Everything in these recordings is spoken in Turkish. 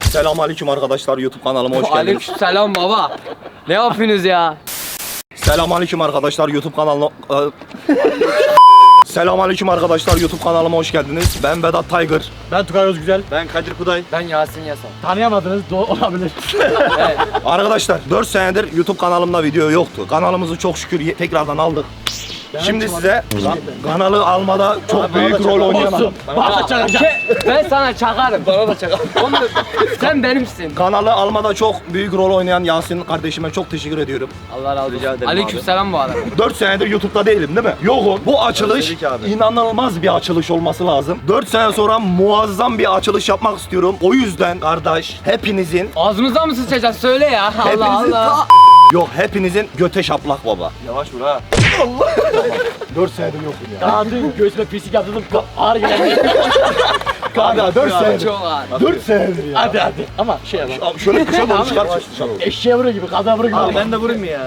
Selamünaleyküm arkadaşlar, YouTube kanalıma hoş geldiniz. Aleykümselam baba. Ne yapıyorsunuz ya? Selamünaleyküm arkadaşlar, YouTube kanalıma... Selamünaleyküm arkadaşlar, YouTube kanalıma hoş geldiniz. Ben Vedat Tiger. Ben Tugay Özgüzel. Ben Kadir Kuday. Ben Yasin Yasan. Tanıyamadınız, olabilir. Evet. Arkadaşlar 4 senedir YouTube kanalımda video yoktu. Kanalımızı çok şükür tekrardan aldık. Şimdi size kanalı almada çok büyük rol oynayan adam. Bana çakacak. Ben sana çakarım. Bana da çakarım. Sen benimsin. Kanalı almada çok büyük rol oynayan Yasin kardeşime çok teşekkür ediyorum. Allah razı olsun. Aleykümselam bu arada. 4 senedir YouTube'da değilim değil mi? Yokum. Bu açılış inanılmaz bir açılış olması lazım. 4 sene sonra muazzam bir açılış yapmak istiyorum. O yüzden kardeş hepinizin Ağzımızdan mı sıçacağız? Söyle ya. Allah Hepinizin Allah. Yok hepinizin göte şaplak baba. Yavaş vur ha. 4 senedir yokum ya. Daha dün göğsüme pislik yaptırdım, ağır geldi. Kanka 4 senedir. Çok ağır. 4 senedir ya. Hadi. Ama şey yapalım. Abi şöyle kışa doğru çıkar dışarı. Eşeğe vuruyor gibi, kaza vuruyor gibi. Ben de vurayım mı ya?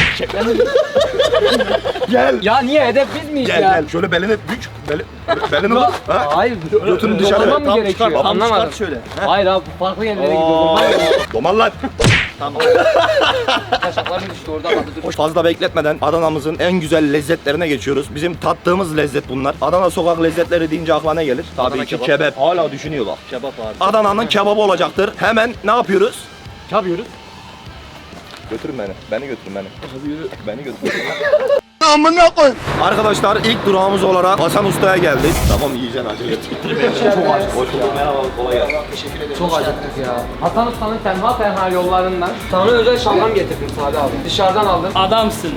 Gel. Ya niye hedef biz miyiz Gel ya? gel. Şöyle belini bük. Belini vur. Ha? Hayır. Götünü dışarı. Dokunmam mı Tam gerekiyor? çıkar, tam Anlamadım. şöyle. Hayır abi farklı yerlere gidiyorum. Domal lan. Kaşaklarım düştü orada kaldı. Dur. Fazla bekletmeden Adana'mızın en güzel lezzetlerine geçiyoruz. Bizim tattığımız lezzet bunlar. Adana sokak lezzetleri deyince akla ne gelir? Tabii Adana ki kebap. kebap. Hala düşünüyor bak. Kebap abi. Adana'nın kebabı olacaktır. Hemen ne yapıyoruz? Yapıyoruz. Götürün beni. Beni götürün beni. Beni götürün. Arkadaşlar ilk durağımız olarak Hasan Usta'ya geldik. Tamam yiyeceksin acele et. Çok aç. Hoş bulduk. Merhaba. Kolay gelsin. Çok acıktık ya. Hasan Usta'nın tenha yollarından sana özel şalgam getirdim Sadi abi. Dışarıdan aldım. Adamsın.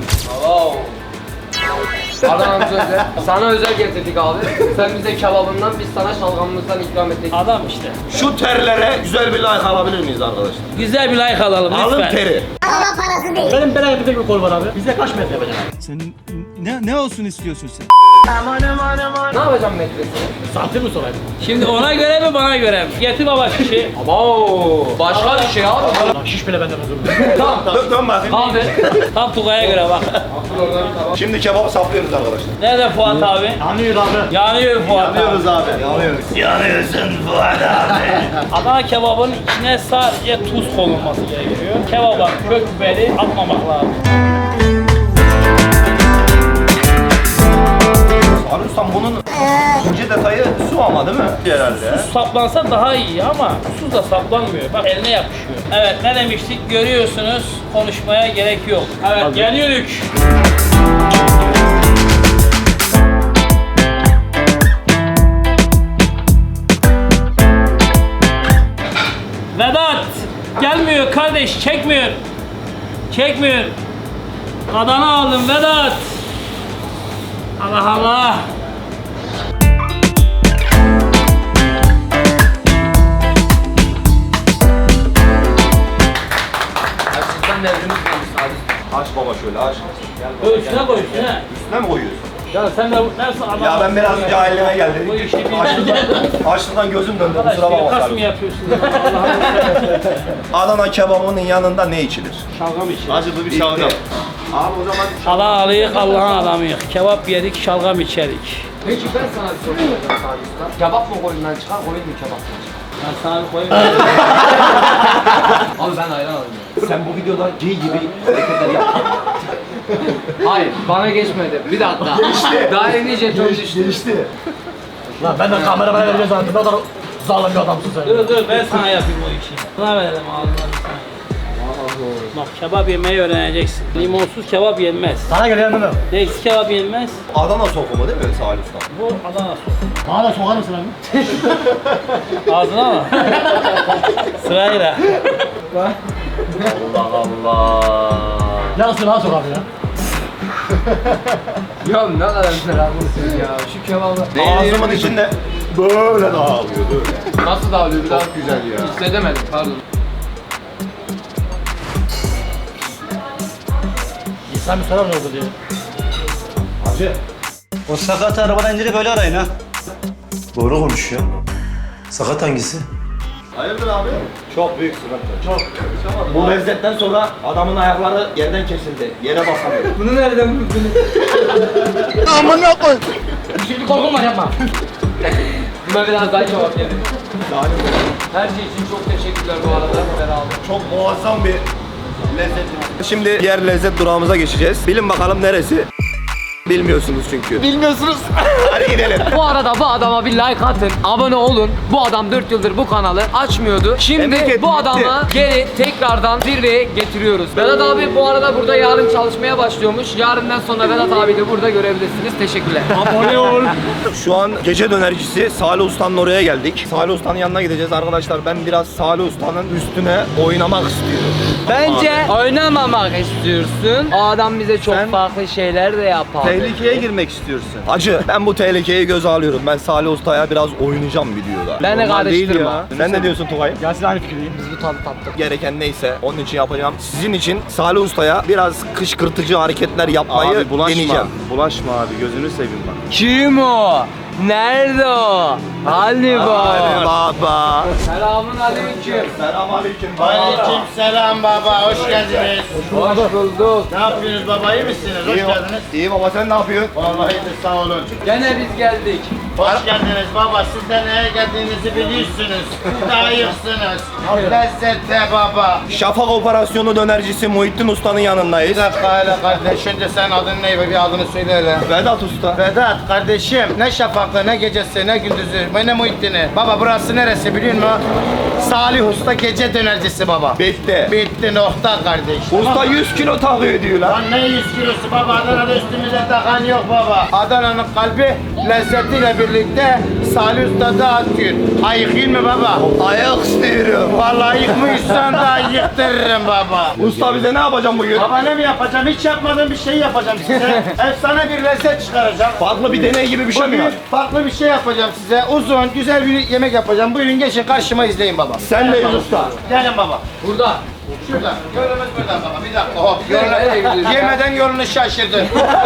Adana'mız özel. Sana özel getirdik abi. Sen bize kebabından, biz sana şalgamımızdan ikram ettik. Adam işte. Şu terlere güzel bir like alabilir miyiz arkadaşlar? Güzel bir like alalım lütfen. Alın teri. Benim benim tek bir kol var abi. Bize kaç metre yapacak? Sen ne olsun istiyorsun sen? Ne yapacağım metresini? Santim mi sorayım? Şimdi ona göre mi bana göre mi? Getir baba şişi. Abo! Başka bir şey abi. Lan şiş bile benden özür Tamam. Dön bakayım. Abi. Tam Tugay'a göre bak. Şimdi kebabı saplıyoruz arkadaşlar. Nerede Fuat abi? Anlıyor abi. Yanıyor Fuat abi. abi. Yanıyoruz. Yanıyorsun Fuat abi. Adana kebabın içine sadece tuz konulması gerekiyor. Kebaba kök biberi atmamak lazım. Abi ustam bunun ince detayı su ama değil mi? Herhalde. Tuz saplansa daha iyi ama tuz da saplanmıyor. Bak eline yapışıyor. Evet ne demiştik? Görüyorsunuz konuşmaya gerek yok. Evet geliyoruz. Vedat gelmiyor kardeş çekmiyor. Çekmiyor. Adana aldım Vedat. Allah Allah. Açlıktan devrimiz gelmiş Sadi. Aç baba şöyle aç. Üstüne koy üstüne. Üstüne mi koyuyorsun? Ya sen de nasıl adam? Ya ben biraz cahilliğime Bu geldim. işi bilmem. Açlıktan gözüm döndü. Arkadaş Kusura bir bakma. kas mı kardeşim. yapıyorsun? Allah'ım. Adana kebabının yanında ne içilir? Şalgam içelim. Acılı bir şalgam. Abi o zaman Adanalıyık Allah'ın adamıyık. Kebap yedik, şalgam içerik. Peki ben sana bir soru soracağım Sadi Usta. Kebap mı koyundan çıkar, koyun mu kebaptan çıkar? Ben sana bir koyayım. Abi ben ayran alayım ya. sen bu videoda G gibi hareketler yap. Hayır, bana geçmedi. Bir dakika. Daha yeni jeton düştü. Geçti. Lan ben de kameramaya vereceğiz zaten. Ne kadar zalim bir adamsın sen. Dur ben sana yapayım o işi. Buna verelim ağzına bir tane. Bak kebap yemeyi öğreneceksin. Limonsuz kebap yenmez. Sana geliyor değil mi? Neysiz kebap yenmez. Adana sokumu değil mi Salih Usta? Bu Adana sosu. Bana da sokar mısın abi? Ağzına mı? Sırayla. Allah Allah. Yarısını bana sok abi ya. Ya ne kadar güzel ablasın ya. Şu kebabı. Ağzımın içinde böyle dağılıyor böyle. Nasıl dağılıyor? Biraz güzel ya. Hissedemedim, pardon. İnsan bir sorar ne oldu diye. Hacı. O sakat arabadan indirip öyle arayın ha. Doğru konuşuyor. Sakat hangisi? Hayırdır abi? Çok büyük sıkıntı. Çok. Bu lezzetten sonra adamın ayakları yerden kesildi. Yere basamıyor. Bunu nereden buldun? Bir şeylik korkum var yapma. Ben biraz daha kebap yedim. Her şey için çok teşekkürler bu arada. Beraber. Çok muazzam bir lezzet. Şimdi diğer lezzet durağımıza geçeceğiz. Bilin bakalım neresi? Bilmiyorsunuz çünkü. Bilmiyorsunuz. Hadi gidelim. Bu arada bu adama bir like atın, abone olun. Bu adam 4 yıldır bu kanalı açmıyordu. Şimdi Memleket bu bitti. adamı geri tekrardan zirveye getiriyoruz. Vedat abi bu arada burada yarın çalışmaya başlıyormuş. Yarından sonra Vedat abi de burada görebilirsiniz. Teşekkürler. Abone ol. Şu an gece dönercisi Salih Usta'nın oraya geldik. Salih Usta'nın yanına gideceğiz arkadaşlar. Ben biraz Salih Usta'nın üstüne oynamak istiyorum. Bence oynamamak istiyorsun. O adam bize çok Sen- farklı şeyler de yapar. Tehlikeye girmek istiyorsun. Hacı ben bu tehlikeyi göze alıyorum. Ben Salih Usta'ya biraz oynayacağım videoda. Beni Normal değil karıştırma. ya. Sen ne diyorsun Tugay? Yasin aynı fikirdeyim. Biz bu tadı tattık. Gereken neyse onun için yapacağım. Sizin için Salih Usta'ya biraz kışkırtıcı hareketler yapmayı deneyeceğim. Bulaşma abi gözünü seveyim bak. Kim o? Nerede o? Hadi Hadi bak. baba. Selamun aleyküm. Selamünaleyküm. Aleyküm selam baba, hoş geldiniz. Hoş bulduk. Ne yapıyorsunuz baba, iyi misiniz? Hoş geldiniz. İyi baba sen ne yapıyorsun? Vallahi de sağ olun. Gene biz geldik. Hoş geldiniz baba, siz de neye geldiğinizi biliyorsunuz. Siz de ayıksınız. Lezzette baba. Şafak Operasyonu dönercisi Muhittin Usta'nın yanındayız. Bir dakika hele kardeş, önce sen adın ne? Bir adını söyle hele. Vedat Usta. Vedat kardeşim, ne şafaklı, ne gecesi, ne gündüzü, ne Muhittin'i. Baba burası neresi biliyor musun? Salih Usta gece dönercisi baba. Bitti. Bitti nokta kardeş. Usta 100 kilo takıyor diyor lan. Lan ne 100 kilosu baba, Adana'da üstümüze takan yok baba. Adana'nın kalbi lezzetiyle birlikte Salih Usta da atıyor. Ayıkayım mı baba? Ayak istiyorum. Vallahi yıkmışsan da yıktırırım baba. Usta bize ne yapacağım bugün? Baba ne mi yapacağım? Hiç yapmadığım bir şey yapacağım size. Efsane bir lezzet çıkaracağım. Farklı bir deney gibi bir şey mi Bugün var? farklı bir şey yapacağım size. Uzun, güzel bir yemek yapacağım. Buyurun geçin karşıma izleyin baba. Senleyiz usta. Gelin baba. Burada. Şurada. Yolumuz burada baba. Bir dakika hop. Nereye gidiyorsun? Yemeden yolunu şaşırdın.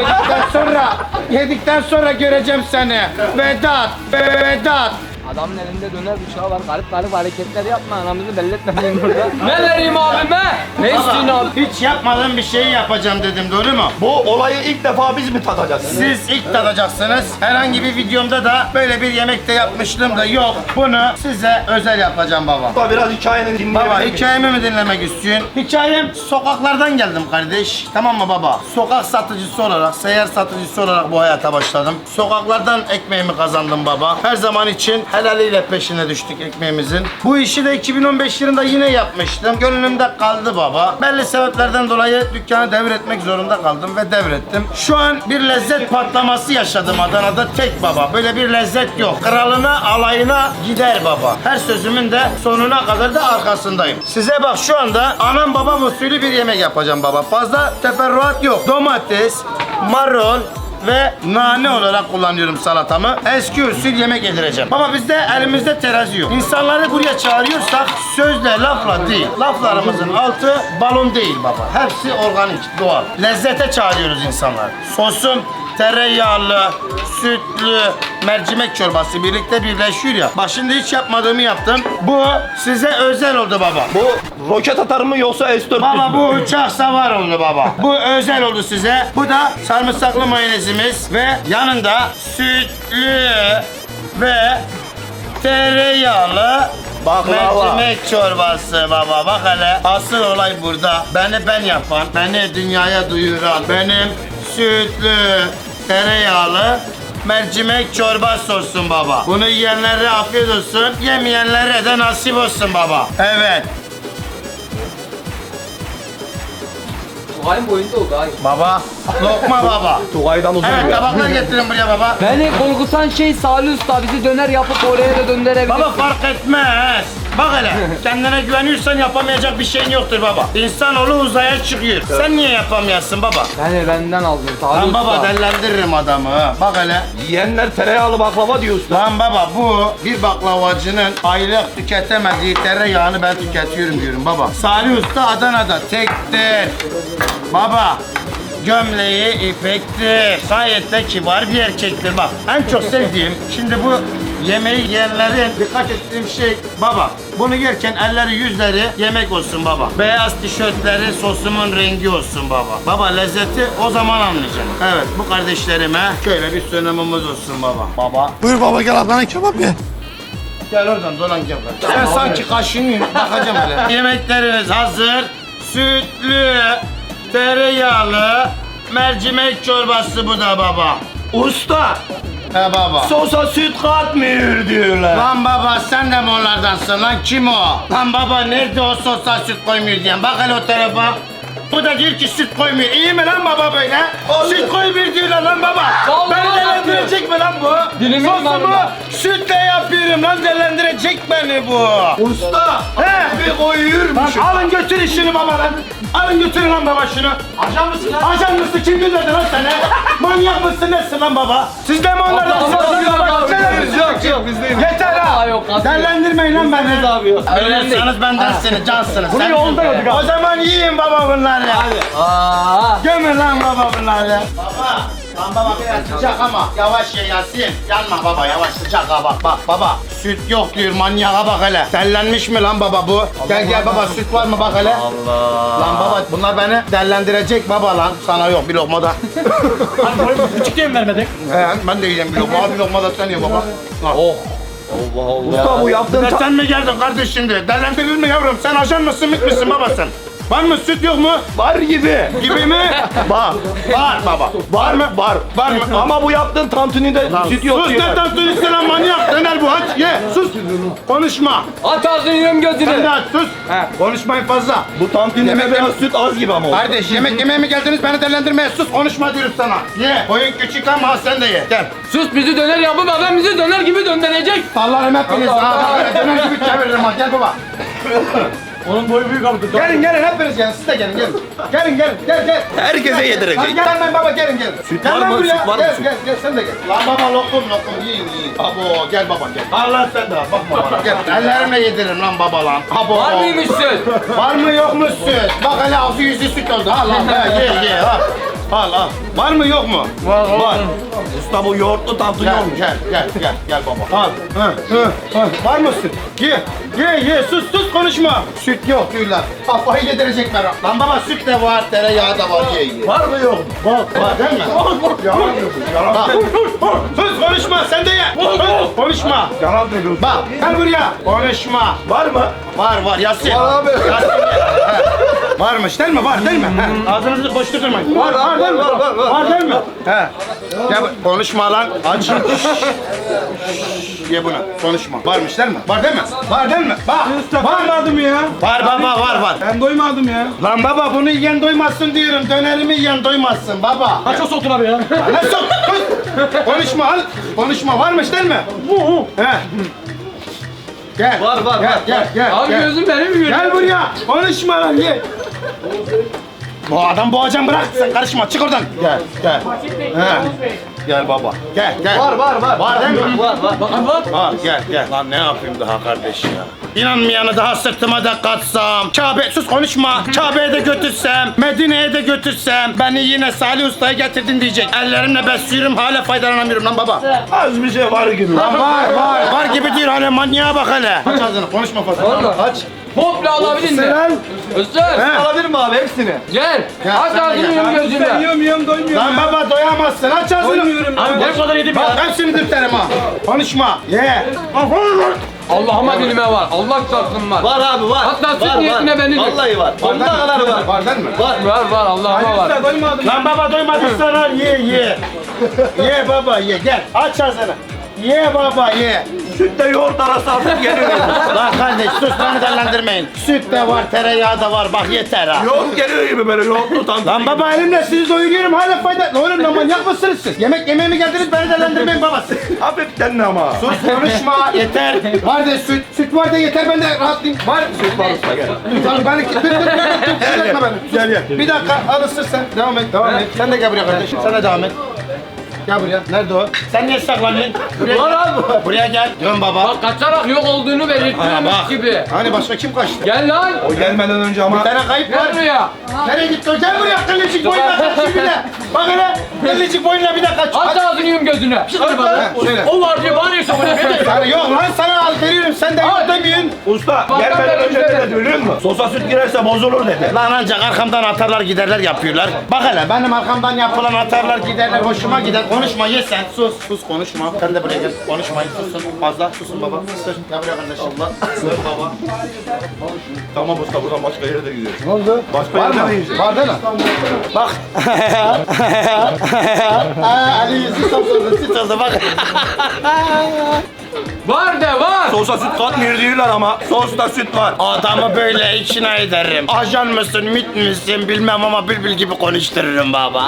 Yedikten sonra göreceğim seni. Vedat. Vedat. Adamın elinde döner bıçağı var. Garip garip hareketler yapma. Anamızı belli etmeyin burada. Ne vereyim abime? Ne istiyorsun abi? Hiç yapmadığım bir şeyi yapacağım dedim, doğru mu? Bu olayı ilk defa biz mi tadacağız? Siz ilk tadacaksınız. Herhangi bir videomda da böyle bir yemek de yapmışlığım da yok. Bunu size özel yapacağım baba. Usta biraz hikayeni dinleyebilir Baba miyim? hikayemi mi dinlemek istiyorsun? Hikayem sokaklardan geldim kardeş. Tamam mı baba? Sokak satıcısı olarak, seyyar satıcısı olarak bu hayata başladım. Sokaklardan ekmeğimi kazandım baba. Her zaman için helaliyle peşine düştük ekmeğimizin. Bu işi de 2015 yılında yine yapmıştım. Gönlümde kaldı baba. Belli sebeplerden dolayı dükkanı devretmek zorunda kaldım ve devrettim. Şu an bir lezzet patlaması yaşadım Adana'da tek baba. Böyle bir lezzet yok. Kralına, alayına gider baba. Her sözümün de sonuna kadar da arkasındayım. Size bak şu anda anam babam usulü bir yemek yapacağım baba. Fazla teferruat yok. Domates, marul ve nane olarak kullanıyorum salatamı. Eski usul yemek yedireceğim. Ama bizde elimizde terazi yok. İnsanları buraya çağırıyorsak sözle lafla değil. Laflarımızın altı balon değil baba. Hepsi organik, doğal. Lezzete çağırıyoruz insanlar. Sosum tereyağlı, sütlü, mercimek çorbası birlikte birleşiyor ya. Bak şimdi hiç yapmadığımı yaptım. Bu size özel oldu baba. Bu roket atar mı yoksa S-400 Baba mü? bu uçak savar oldu baba. Bu özel oldu size. Bu da sarımsaklı mayonezimiz ve yanında sütlü ve tereyağlı Baklava. mercimek çorbası baba. Bak hele asıl olay burada. Beni ben yapan, beni dünyaya duyuran, benim sütlü tereyağlı mercimek çorba sosum baba. Bunu yiyenlere afiyet olsun, yemeyenlere de nasip olsun baba. Evet. Tugay'ın boyunda oldu ay. Baba, lokma baba. Tugay'dan uzun Evet, ya. tabaklar getirin buraya baba. Beni korkutan şey Salih Usta. Bizi döner yapıp oraya da döndürebilir. Baba fark etmez. Bak hele, kendine güveniyorsan yapamayacak bir şeyin yoktur baba. İnsanoğlu uzaya çıkıyor. Sen niye yapamıyorsun baba? Beni benden aldın Salih Lan Usta. baba dellendiririm adamı. ha. Bak hele. Yiyenler tereyağlı baklava diyor usta. Lan baba bu bir baklavacının aylık tüketemediği tereyağını ben tüketiyorum diyorum baba. Salih Usta Adana'da tektir. Baba gömleği ipektir. Gayet de kibar bir erkektir bak. En çok sevdiğim şimdi bu yemeği yiyenlerin dikkat ettiğim şey baba. Bunu yerken elleri yüzleri yemek olsun baba. Beyaz tişörtleri sosumun rengi olsun baba. Baba lezzeti o zaman anlayacaksın. Evet bu kardeşlerime şöyle bir sunumumuz olsun baba. Baba. Buyur baba gel Adana kebap ye. Gel oradan dolan gel. Sen sanki kaşınıyorsun. Bakacağım hele. Yemekleriniz hazır. Sütlü, tereyağlı, mercimek çorbası bu da baba. Usta, He baba. sosa süt katmıyor diyorlar. Lan baba sen de mi onlardansın lan kim o? Lan baba nerede o sosa süt koymuyor diyen bak hele o tarafa. Bu da diyor ki süt koymuyor. İyi mi lan baba böyle? Süt koymuyor diyorlar lan baba. Vallahi Beni delendirecek mi lan bu? Dilimin Sosumu yanında. sütle yapıyorum lan delendirecek beni bu. Usta, He? bir koyuyormuş. Lan alın götürün şunu baba lan. Alın götürün lan baba şunu. Ajan mısın lan? Ajan mısın? Kim gönderdi lan seni? Manyak mısın nesin lan baba? Siz de mi onlardansınız Allah lan Allah, baba? Allah, Sen- Yok biz değiliz. Yeter ha! Aa, yok, kalsın. Derlendirmeyin lan beni. Biliyorsanız bendensiniz, cansınız. Bunu yolda yedik abi. O zaman yiyin baba bunları. Aa. Gömün lan baba bunları. Baba, lan baba biraz sıcak ama yavaş ye Yasin. Yanma baba yavaş sıcak ha bak bak baba. Süt yok diyor manyağa bak hele. Dellenmiş mi lan baba bu? Gel gel baba süt var mı bak hele. Allah. Lan baba bunlar beni dellendirecek baba lan. Sana yok bir lokma da. Hani boyu küçük diye mi vermedin? He ben de yiyeceğim bir lokma. Al bir lokma da sen ye baba. Oh. Usta bu yaptığın Sen mi geldin kardeş şimdi? Dellendirdin mi yavrum? Sen ajan mısın, mit misin baba sen? Var mı süt yok mu? var gibi. Gibi mi? Var. Var baba. Var mı? Var. Var mı? Ama bu yaptığın tantunide süt yok Sus ne diyorlar. tantunisi lan manyak. Döner bu aç ye. Sus. Konuşma. Aç ağzını yiyorum Sen de gözünü. aç sus. Konuşmayın fazla. Bu tantunide biraz süt az gibi ama. Kardeş yemek yemeye mi geldiniz beni dellendirmeye? Sus konuşma diyorum sana. Ye. Boyun küçük ama sen de ye. Gel. Sus bizi döner yapıp adam bizi döner gibi döndürecek. Sallarım hepiniz. Allah. Ha böyle döner gibi çeviririm ha. Gel baba. Onun boyu büyük abi. Gelin gelin hepiniz gelin. Siz de gelin gelin. Gelin gelin gel gel. Herkese yedirecek. Gel lan baba gelin gelin. Süt Gel var lan mı? buraya. Süt var mı? Gel Süt. gel sen de gel. Lan baba lokum yiyin yiyin. Abo gel baba gel. Allah sen de bakma bana. Gel ellerimle yediririm lan baba lan. Abo. Var mıymış süt? Var mı yok mu süt? Bak hele ağzı yüzü süt oldu. Al al ye al. Al al. Var mı yok mu? Var. Usta bu yoğurtlu tantuni Gel olmuş. gel baba. Al. Var mı süt? Ye sus konuşma. Süt yok diyorlar. Kafayı yedirecekler. Lan baba süt de var, tereyağı da var ye. Var mı yok mu? Var değil mi? Bak. Sus konuşma sen de ye. Konuşma. Yalan söylüyorsun. Bak gel buraya. Konuşma. Var mı? Var Yasin. Var abi. Yasin ye. Varmış değil mi? Var değil mi? He. Ağzınızı boş tutturmayın. Var değil mi? Var değil mi? He. Gel konuşma lan. Aç. Ye bunu. Konuşma. Varmış değil mi? Var değil mi? Var değil mi? Bak. Doymadım ya. Var baba var. Ben doymadım ya. Lan baba bunu yiyen doymazsın diyorum. Dönerimi yiyen doymazsın baba. Kaç o soktun abi ya? Ne sok? Konuşma al. Konuşma varmış değil mi? He. Gel. Var. Gel. Abi gözüm benim mi görüyor? Gel buraya. Konuşma lan ye. Bu adam boğacağım bırak sen karışma çık oradan. Gel. He. Gel baba. Gel. Var. Var değil mi? Var. Var gel. Lan ne yapayım daha kardeş ya? İnanmayanı daha sırtıma da katsam, Kabe sus konuşma. Kabe'ye de götürsem, Medine'ye de götürsem, beni yine Salih Usta'ya getirdin diyecek. Ellerimle besliyorum hala faydalanamıyorum lan baba. Az bir şey var gibi. Lan var gibi diyor hala manyağa bak hele. Aç ağzını konuşma fazla. Vallahi. Aç. Komple alabilir mi? Lan. Özür. He. Alabilir mi abi hepsini? Gel. Ya Aç sen de ağzını gel. yiyorum gözünü. Yiyorum doymuyorum Lan baba doyamazsın aç ağzını. Doymuyorum ya. Abi bu kadar yedim Bak ya. hepsini dürterim ha. Konuşma. Ye. Allah'ıma dilime var. Allah çarpsın var. Var abi var. Hatta süt var, niyetine beni dök. Vallahi var. Sonuna kadar var. Var değil mi? Var Allah'ıma var. Doymadım. Lan baba doymadıysan al ye. Ye baba ye gel aç ağzını. Ye baba ye. Sütle yoğurt arası artık geliyor. Lan kardeş sus beni dellendirmeyin. Süt de var tereyağı da var bak yeter ha. Yoğurt geliyor gibi böyle yoğurtlu tantuni. Lan baba elimle sizi doyuruyorum hala fayda. Oğlum lan manyak mısınız siz? Yemek yemeye mi geldiniz beni dellendirmeyin babası. Hafiften de ama. Sus konuşma yeter. Var de süt var da yeter ben de rahatlayayım. Var süt var usta gel. Lan beni etme beni. Gel. Bir dakika al ısır sen. Devam et. Sen de gel buraya kardeşim. Sen de devam et. Gel buraya. Nerede o? Sen niye saklanıyorsun? Buraya Var gel. abi. Buraya gel. Dön baba. Bak kaçarak yok olduğunu Ha, belirtiyormuş bak. gibi. Hani başka kim kaçtı? Gel lan. O gelmeden önce ama. Bir tane kayıp var. Gel buraya. Nereye gitti o? Gel buraya kıllıcık boyunla kaç şimdi de. Bak hele kıllıcık boyunla bir de kaç. Aç ağzını yiyorum gözünü. Söyle. O var diye bağırıyorsun bana. Sana yok lan sana al veriyorum sen de yok demiyorsun. Usta Bak, gelmeden bak, önce bak. ne dedi biliyor duydun mu? Sosa süt girerse bozulur dedi. Lan ancak arkamdan atarlar giderler yapıyorlar. Bak hele benim arkamdan yapılan atarlar giderler hoşuma gider. Konuşma ye sen sus. Sus konuşma. Sen de buraya gel. Konuşmayın susun. Fazla susun baba. Sus. Gel buraya kardeşim. Allah. Sus baba. Tamam usta buradan başka yere de gidiyoruz. Ne oldu? Başka Var yere mı? de gideceğiz. Var değil mi? Bak. Ali yüzü satıldı. Süt oldu bak. Var de var. Sosa süt katmıyor diyorlar ama sosta süt var. Adamı böyle içine ederim. Ajan mısın, mit misin bilmem ama bülbül gibi konuştururum baba.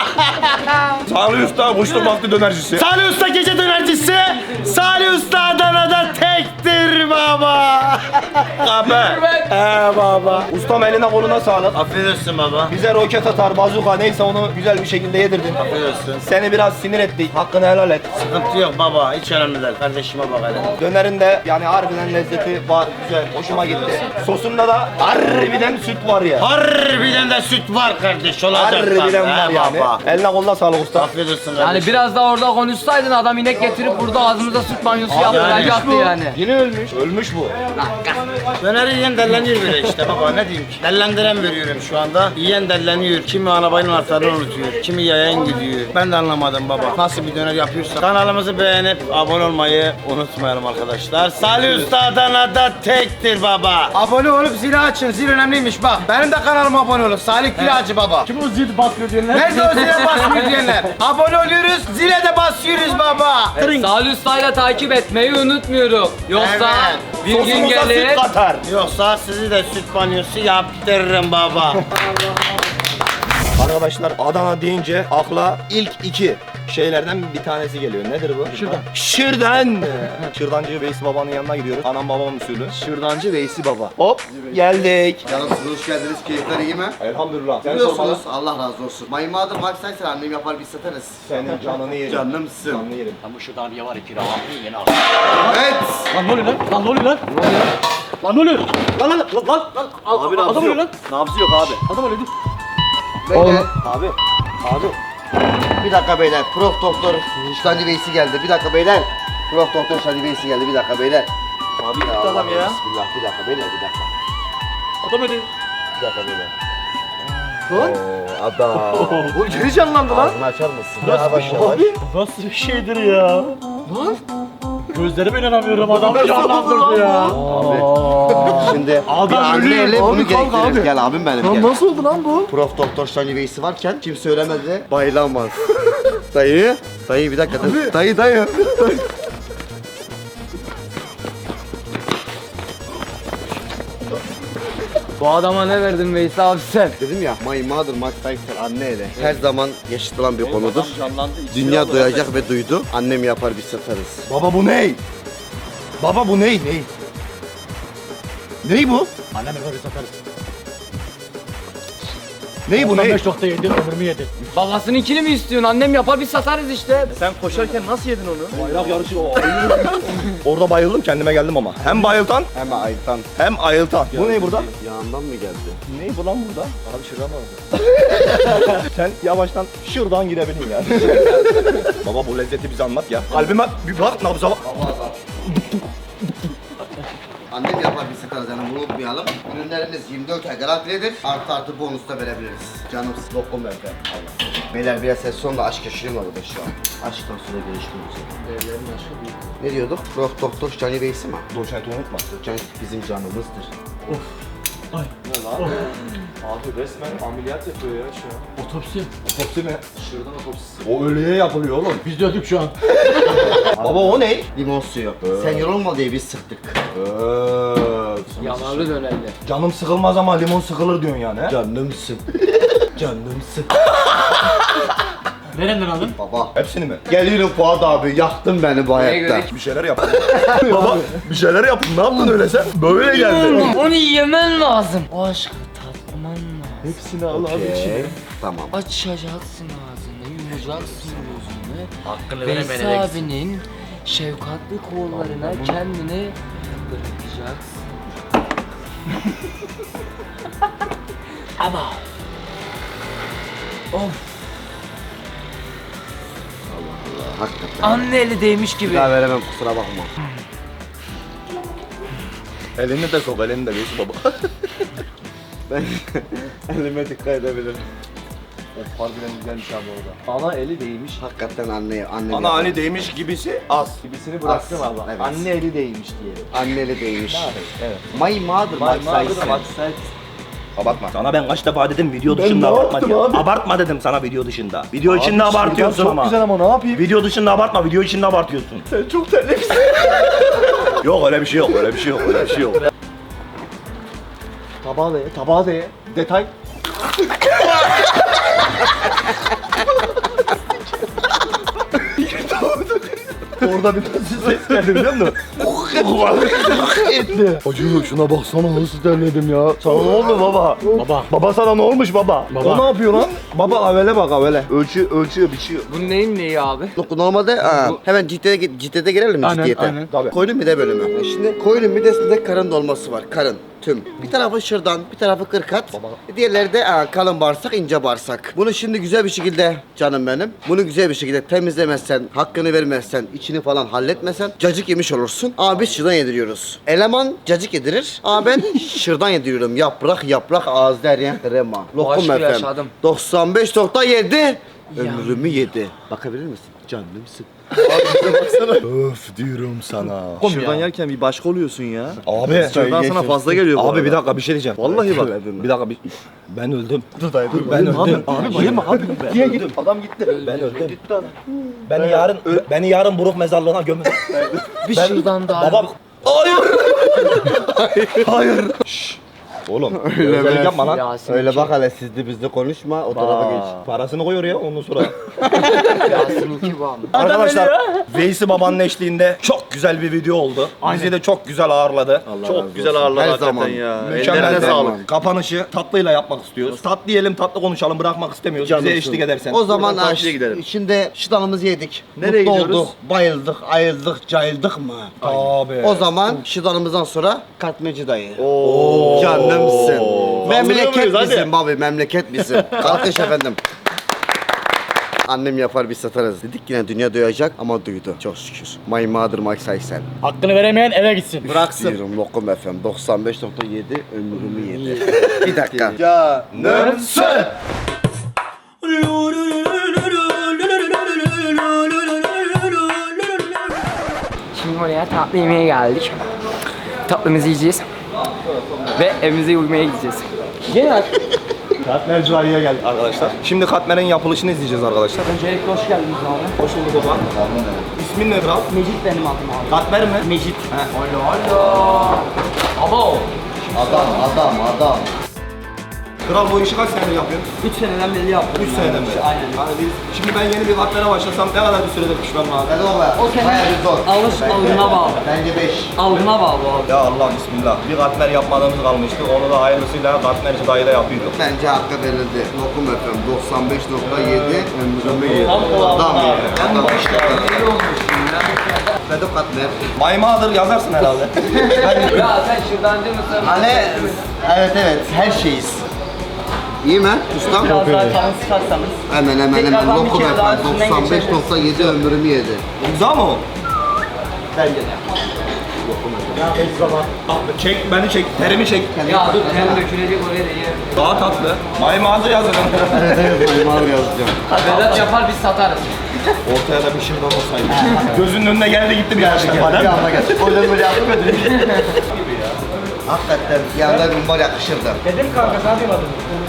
Salih Usta kuşlu baktı dönercisi. Salih Usta gece dönercisi. Salih Usta Adana'da tektir baba. Abi. Baba. Ustam eline koluna sağlık. Afiyet olsun baba. Bize roket atar, bazuka neyse onu güzel bir şekilde yedirdin. Afiyet olsun. Seni biraz sinir ettik. Hakkını helal et. Sıkıntı yok baba. Hiç önemli değil. Kardeşime bak hele. Dönerin de yani harbiden lezzeti var, güzel, hoşuma gitti. Sosunda da harbiden süt var ya. Harbiden de süt var kardeş. Olacak Harbiden var yani. baba. Eline koluna sağlık usta. Afiyet olsun Yani kardeşim. biraz daha orada konuşsaydın adam inek getirip burada ağzımıza süt banyosu yaptıracaktı yani. Yine ölmüş. Ölmüş bu. Döneri yiyen delleniyor böyle işte baba ne diyeyim ki. Dellendiren veriyorum şu anda. Yiyen delleniyor. Kimi arabanın anahtarını unutuyor. Kimi yayan gidiyor. Ben de anlamadım baba. Nasıl bir döner yapıyorsa. Kanalımızı beğenip abone olmayı unutmayalım arkadaşlar. Salih Usta Adana'da tektir baba. Abone olup zili açın. Zil önemliymiş bak. Benim de kanalıma abone olun. Salih Külacı baba. Kim o zil basıyor diyenler? Nerede o zile basmıyor diyenler? Abone oluyoruz. Zile de basıyoruz baba. Salih Usta'yla takip etmeyi unutmuyorum. Yoksa Evet. bir gün Sosumuza süt gelir. katar. Yoksa sizi de süt banyosu yaptırırım baba. Arkadaşlar Adana deyince akla ilk iki şeylerden bir tanesi geliyor. Nedir bu? Şırdan. Şırdan. Şırdancı Veysi babanın yanına gidiyoruz. Anam babam usulü. Şırdancı Veysi Baba. Hop geldik. Canımsınız, hoş geldiniz. Keyifler iyi mi? Elhamdülillah. Sen Biliyorsunuz, sormalı. Allah razı olsun. Maymadır, maksaysa annem yapar biz satarız. Senin canını yerim. Canımsın. Canını yerim. Ama şuradan bir var iki rahat yeni al. Evet. Lan ne oluyor lan? Lan ne oluyor lan? Lan ne oluyor? Lan lan lan lan lan. Abi Adam nabzı ölüyor yok. lan. Nabzı yok abi. Adam ölüyor. Beyler. Abi. Abi. Bir dakika beyler. Prof Doktor Şırdancı Veysi geldi. Bir dakika beyler. Prof Doktor Şırdancı Veysi geldi. Bir dakika beyler. Abi gitti adam ya. Bismillah. Bir dakika beyler. Bir dakika. Adam ölüyor. Bir dakika beyler. Adam. Bu geri canlandı lan. Ağzını açar mısın? Yavaş yavaş. Nasıl bir şeydir ya? Lan? Gözlerime inanamıyorum adam canlandırdı ya. Şimdi Adam bir anne ölüyor. eli Abi bunu kalk gerektirir. abi. Gel abim benim. Lan Gel. nasıl oldu lan bu? Prof Doktor Şırdancı Veysi varken kimse ölemedi. Bayılamaz. Dayı. Dayı bir dakika. Dayı. Bu adama ne verdin Veys abi sen? Dedim ya My Mother Mike Tyson anne eli. Her zaman yaşatılan bir konudur. Dünya duyacak ve duydu. Annem yapar biz satarız. Baba bu ne? Baba bu ne? Ney? Ney bu? Annem yapar biz satarız. Ney bu ne? 95.7 ömrümü yedi. Babasınınkini mi istiyorsun? Annem yapar biz satarız işte. Sen koşarken nasıl yedin onu? Bayrak yarışı o. Orada bayıldım kendime geldim ama. Hem bayıltan Hemen ayıptan. hem ayıltan. Bu ne burada? Yanından mı geldi? Ne bu lan burada? Abi şuradan orada. Sen yavaştan şuradan girebilin yani. Baba bu lezzeti bize anlat ya. Kalbime bir bak nabza bak. Annem yapar biz satarız yani bunu unutmayalım. Ürünlerimiz 24 ay garantiledir. Artı bonus da verebiliriz. Canım lokum verdi. Allah. Beyler biraz ses sonunda aşk yaşıyorum orada şu an. Aşktan sonra gelişmiyoruz. Değerlerin aşkı büyük. Ne diyorduk? Prof Doktor Şırdancı Veysi mi? Doçenti unutma. Can bizim canımızdır. Abi resmen ameliyat yapıyor ya şu an. Otopsi. Otopsi mi? Şuradan otopsisi. O ölüye yapılıyor oğlum. Biz de öldük şu an. Baba o ne? Limon suyu. Sen yorulma diye biz sıktık. Yanarlı dönerli. Canım sıkılmaz ama limon sıkılır diyorsun yani he? Canımsın. Canımsın. Nereden aldın? Baba. Hepsini mi? Geliyorum Fuat abi yaktın beni bu hayatta. Bir şeyler yaptın. Baba bir şeyler yaptın. Ne yaptın öyle sen? Böyle geldi. Onu yemen lazım. O aşkı tatman lazım. Hepsini al abi Okey. Tamam. Açacaksın ağzını, yumacaksın gözünü. Hakkını Veys abinin şefkatli kollarına kendini bırakacaksın. Ama. Of. Hakikaten. Anne eli değmiş gibi. Bir daha veremem kusura bakma. Elini de sok, elini de Veysi baba. Elime dikkat edebilirim. Harbiden güzelmiş abi orada. Ana eli değmiş. Hakikaten anne Ana Ali değmiş gibisi az. Gibisini bıraktım Az, abi. evet. Anne eli değmiş diyelim. anneli değmiş. Evet. My mother, my size. Abartma. Sana ben kaç defa dedim video dışında abartma diye. Abartma dedim sana video dışında. Video içinde abartıyorsun ama. Çok güzel ama ne yapayım? Video dışında abartma, video içinde abartıyorsun. Sen çok terlemişsin. Yok öyle bir şey yok, öyle bir şey yok, öyle bir şey yok. Tabağı da ye. Detay. Orada bir ses geldi biliyor musun? Acı şuna baksana nasıl terledim ya. Sana ne oldu baba? Baba sana ne olmuş baba? O ne yapıyor lan? Baba avele bak avele. Ölçüyor biçiyor. Bu neyin neyi abi? Normalde hemen ciddiyete girelim mi ciddiyete? aynen. Tabii. Koyunun mide bölümü. Şimdi koyunun midesinde karın dolması var. Karın. Tüm. Bir tarafı şırdan, bir tarafı kırkat. Diğerleri de kalın bağırsak, ince bağırsak. Bunu şimdi güzel bir şekilde canım benim. Bunu güzel bir şekilde temizlemezsen, hakkını vermezsen, içini falan halletmesen cacık yemiş olursun. Ama biz şırdan yediriyoruz. Eleman cacık yedirir. Ama ben şırdan yediriyorum. Yaprak ağız deryen krema. Lokum aşkı efendim. yaşadım. 95.7 ömrümü yedi. Bakabilir misin? Canımsın. Öf diyorum sana. Şuradan yerken bir başka oluyorsun ya. Abi. Şuradan sana fazla geliyor bu Abi arada. bir dakika bir şey diyeceğim. Vallahi bak. Bir dakika ben öldüm. Ben öldüm. Abi bayılma abi. Niye git? Adam gitti. Ben öldüm. Beni yarın Buruk mezarlığına gömün. Bir şuradan daha. Baba. Hayır. Hayır. Şşş. Oğlum öyle yapma lan. Yasin Öyle bak hele sizde bizde konuşma o tarafa geç. Parasını koyuyor ya ondan sonra. Yasin 2 bu ama. Arkadaşlar Veysi babanın eşliğinde çok güzel bir video oldu. Bizi de çok güzel ağırladı. Çok güzel ağırladı Her hakikaten zaman. ya. Mükemmel Ellerine de. sağlık. Kapanışı tatlıyla yapmak istiyoruz. Tatlı yiyelim, tatlı konuşalım, bırakmak istemiyoruz. Bize Canımsın. eşlik edersen. O zaman Buradan karşıya gidelim. Şimdi şıdanımızı yedik. Nereye Mutlu gidiyoruz? olduk, bayıldık, ayıldık, cayıldık mı? Abi. O zaman şıdanımızdan sonra katmeci dayı. Canımsın. Memleket muyuz? Hadi. bizim abi, memleket bizim. Kalkış efendim. Annem yapar biz satarız. Dedik yine dünya duyacak ama duydu. Çok şükür. My mother, my Saysel. Hakkını veremeyen eve gitsin. Bıraksın. Diyorum Lokum FM 95.7 ömrümü yedi. Bir dakika. Canımsın. Şimdi oraya tatlı yemeğe geldik. Tatlımızı yiyeceğiz. Ve evimize uyumaya gideceğiz. Gel. Katmer Cüvayı'ya geldik arkadaşlar. Şimdi katmerin yapılışını izleyeceğiz arkadaşlar. Öncelikle hoş geldiniz abi. Hoş bulduk baba. İsmin ne kral? Mecit benim adım abi. Katmer mi? Mecit. Allah. Abo. Adam. Kral bu işi kaç senedir yapıyorsun? 3 seneden beri yaptım. 3 seneden beri. Aynen. Yani şimdi ben yeni bir katmere başlasam ne kadar bir sürede pişmem lazım? Hadi baba. O senin Bayağı bir zor. algına bağlı. Bence 5. Algına bağlı abi. Ya Allah bismillah. Bir katmer yapmadığımız kalmıştı. Onu da hayırlısıyla katmerci dayı da yapıyorduk. Bence hakkı verildi. Lokum FM 95.7 ömrümü yedi. Adam ya. İyi olmuş ya. Vedo Katmer. My mother yazarsın herhalde. Ya sen şırdancı mısın? Hani evet her şeyiz. İyi mi ustam? Biraz daha kalın sıkarsanız. Hemen Tekrardan bir Lokum kere daha FM üstünden 95.7 ömrümü yedi. İmza mı o? Bence de. Çek, beni çek, terimi çek. Ya dur hem dökülecek oraya da yer. Daha tatlı. My mother yazalım. Mal yazacağım. Vedat yapar biz satarız. Ortaya da bir şırdan olsaydı. Gözünün önüne geldi gitti bir yanlışlıkla değil mi? O yüzden böyle yaptım Hakikaten yanında mumbar yakışırdı. Dedim kanka sen duymadın.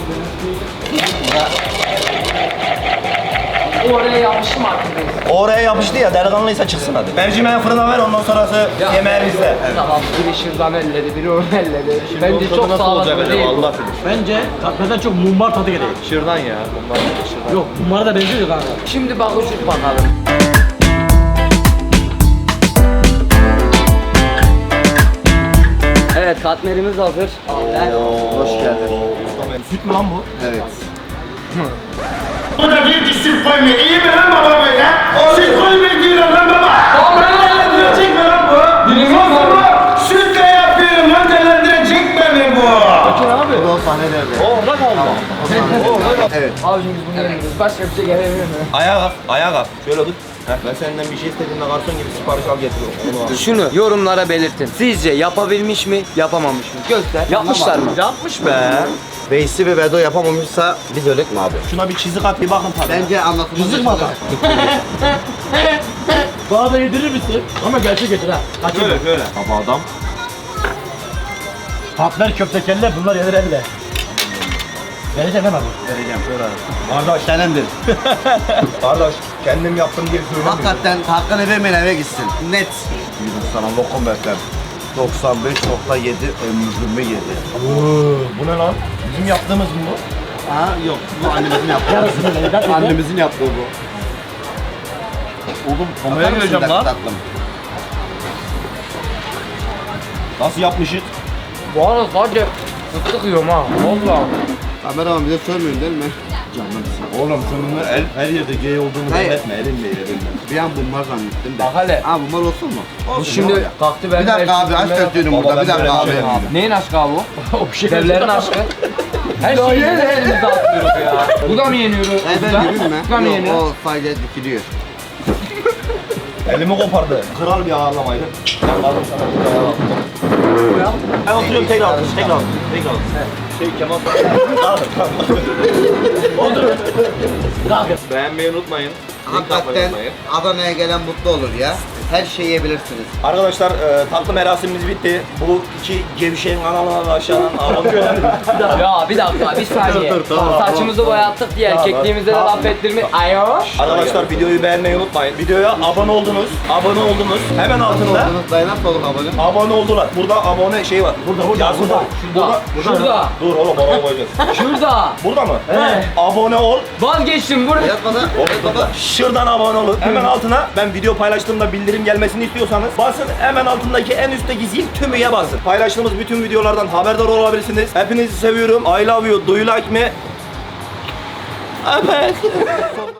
Oraya yapmışım artık. Oraya yapıştı ya, delikanlıysa çıksın hadi. Mercimeği fırına ver, ondan sonrası yemeği bizde. Tamam biri şırdan elledi, biri onu elledi. Bence çok sağlıklı değil. Bence katmerden çok mumbar tadı geliyor. Şırdan ya. Bunlar şırdan. Yok mumbara da benziyor kanka. Şimdi bak uçuk bakalım. Evet katmerimiz hazır. Hoş geldin. Süt mü lan bu? Evet. Bu da bir isim koymuyor. İyi mi lan baba böyle? Süt koymuyor diyorum lan baba. Değerlendirecek mi lan bu? Sosumu sütle yapıyorum lan, değerlendirecek mi bu? Bu da sahne nerede? Orada kaldı. Evet. Abicim biz bunu yemiyoruz. Başka bir şey gelemiyor mu? Ayağa kalk. Şöyle tut. Ben senden bir şey istediğimde garson gibi sipariş al getiriyorum. Onu al. Şunu yorumlara belirtin. Sizce yapabilmiş mi, yapamamış mı? Göster. Yapmışlar mı? Yapmış be. Veysi ve Vedo yapamamışsa biz ölek mi abi? Şuna bir çizik at bir bakın tabii. Bence anlatılmaz. Çizik mi atar? Bana da yedirir misin? Ama gerçek getir ha. Kaçın. Şöyle. Baba adam. Patlar köfte kelle bunlar yenir elle. Vereceğim hemen. Vereceğim. Kardeş Senendir. Kardeş kendim yaptım diye söylemiyorum. Hakikaten hakkını vermeyen eve gitsin. Net. Yürü sana lokum bekler. 95.7 ömrümü yedi. Bu ne lan? Bizim yaptığımız mı bu? Ha yok bu annemizin yaptığı. Yarısını vereceğim. Annemizin yaptığı bu. Oğlum Atar komaya mısın gireceğim dakika lan. tatlım? Nasıl yapmışız? Bu arada sadece fıstık yiyorum ha. Valla. Kameraman bize sormuyorsun değil mi? Oğlum şunun her yerde gay olduğunu Hayır. belirtme elimle elimle. Bir an bunlar zannettim de. Bak hele. Ha bunlar olsun mu? Bu Olsun şimdi ya. kalktı ben. Bir dakika abi aşk ötüyorum Baba, burada. ben Bir dakika böyle abi. bir şey yapayım. Neyin aşkı abi bu? O bir şey Devlerin aşkı. Her şeyi de elimizde atlıyoruz ya. Bu da mı yeniyor? Ben gireyim mi? Bu da mı Yok yeniyor? o sadece dikiliyor. Elimi kopardı. Kral bir ağırlamaydı. Ben kaldım sana bir ağırlamaydı. Ben oturuyorum tekrar Şey Kemal Beğenmeyi unutmayın. Hakikaten Adana'ya gelen mutlu olur ya. Her şeyi yiyebilirsiniz. Arkadaşlar tatlı merasimimiz bitti. Bu iki gevşeyin kanalına da aşağıdan abone olun. Ya bir dakika bir saniye. tamam, Saçımızı boyattık diye erkekliğimize de laf ettirme. Ayoş. Arkadaşlar videoyu beğenmeyi unutmayın. Videoya abone oldunuz. Hemen altında Unutmayın nasıl olduk abone? abone oldular. Burada abone şey var. Burada. Şurada. Dur oğlum oraya koyacağız. Şurada. Burada mı? He. Abone ol. Vazgeçtim burada. Yatmadan. Yatmadan. Şuradan abone olun. Hemen altına ben video paylaştığımda bildirim gelmesini istiyorsanız basın hemen altındaki en üstteki zil tümüye basın. Paylaştığımız bütün videolardan haberdar olabilirsiniz. Hepinizi seviyorum. I love you. Do you like me? Evet.